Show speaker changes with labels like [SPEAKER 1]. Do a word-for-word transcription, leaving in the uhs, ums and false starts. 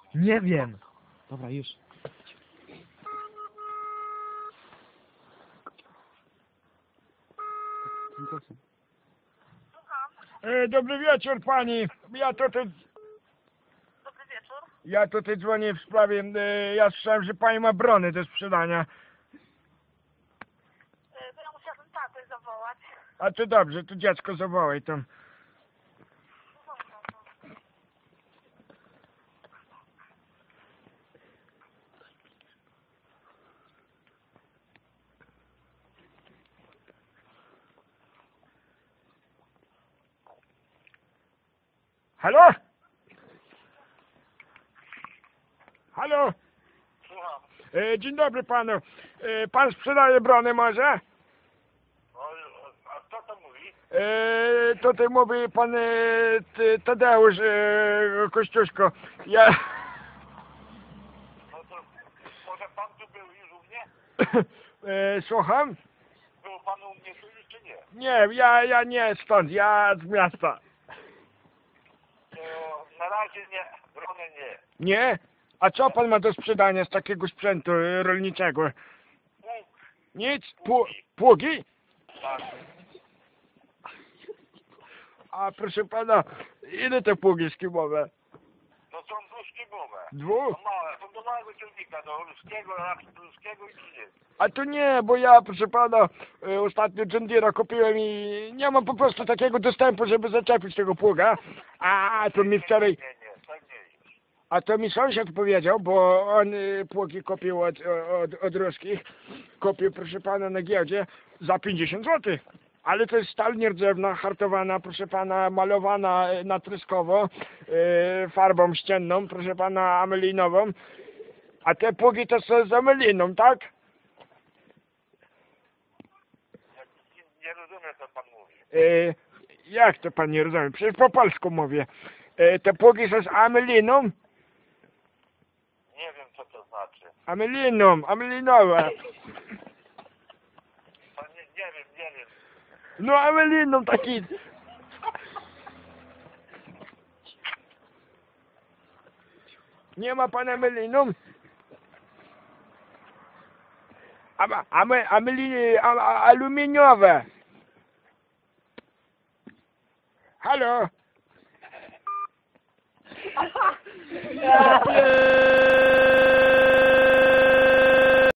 [SPEAKER 1] Nie wiem.
[SPEAKER 2] Dobra, już.
[SPEAKER 3] E, dobry wieczór pani. Ja tutaj...
[SPEAKER 4] Dobry wieczór.
[SPEAKER 3] Ja tutaj dzwonię w sprawie... E, ja słyszałem, że pani ma brony do sprzedania.
[SPEAKER 4] E, To ja musiałabym tatę zawołać.
[SPEAKER 3] A to dobrze, to dziecko zawołaj tam. Halo? Halo?
[SPEAKER 5] Słucham.
[SPEAKER 3] E, dzień dobry panu. E, pan sprzedaje brony może?
[SPEAKER 5] O, a kto to mówi?
[SPEAKER 3] E, tutaj mówi pan e, T- Tadeusz e, Kościuszko. Ja...
[SPEAKER 5] No to może pan tu był już u mnie?
[SPEAKER 3] e, słucham?
[SPEAKER 5] Był pan u mnie tu już czy nie?
[SPEAKER 3] Nie, ja, ja nie stąd, ja z miasta.
[SPEAKER 5] To na razie nie, brony nie.
[SPEAKER 3] Nie? A co pan ma do sprzedania z takiego sprzętu e, rolniczego?
[SPEAKER 5] Łuk,
[SPEAKER 3] Nic? Pu- pługi?
[SPEAKER 5] tak.
[SPEAKER 3] A proszę pana, ile te pługi skimowe?
[SPEAKER 5] To są dwuszczybowe.
[SPEAKER 3] Dwu?
[SPEAKER 5] To małe, to do małego ciągnika, do ruskiego, ruskiego i nie.
[SPEAKER 3] A to nie, bo ja, proszę pana, e, ostatnio John Deere'a kupiłem i nie mam po prostu takiego dostępu, żeby zaczepić tego pługa. A to mi wczoraj,
[SPEAKER 5] Nie, nie, tak nie jest.
[SPEAKER 3] a to mi sąsiad powiedział, bo on e, pługi kupił od, od, od ruskich. Kupił, proszę pana, na giełdzie za pięćdziesiąt złotych. Ale to jest stal nierdzewna, hartowana, proszę pana, malowana e, natryskowo, e, farbą ścienną, proszę pana, amelinową. A te pługi to są z ameliną, tak?
[SPEAKER 5] Nie, nie rozumiem, co pan mówi.
[SPEAKER 3] E, jak to pan nie rozumie? Przecież po polsku mówię. E, te pługi są z ameliną?
[SPEAKER 5] Nie wiem, co to znaczy.
[SPEAKER 3] Ameliną, amelinowe.
[SPEAKER 5] To nie, nie wiem, nie wiem.
[SPEAKER 3] No ameliną taki. Nie ma pan ameliną? Ama, ame, ameli, a, a, aluminiowe. Halo?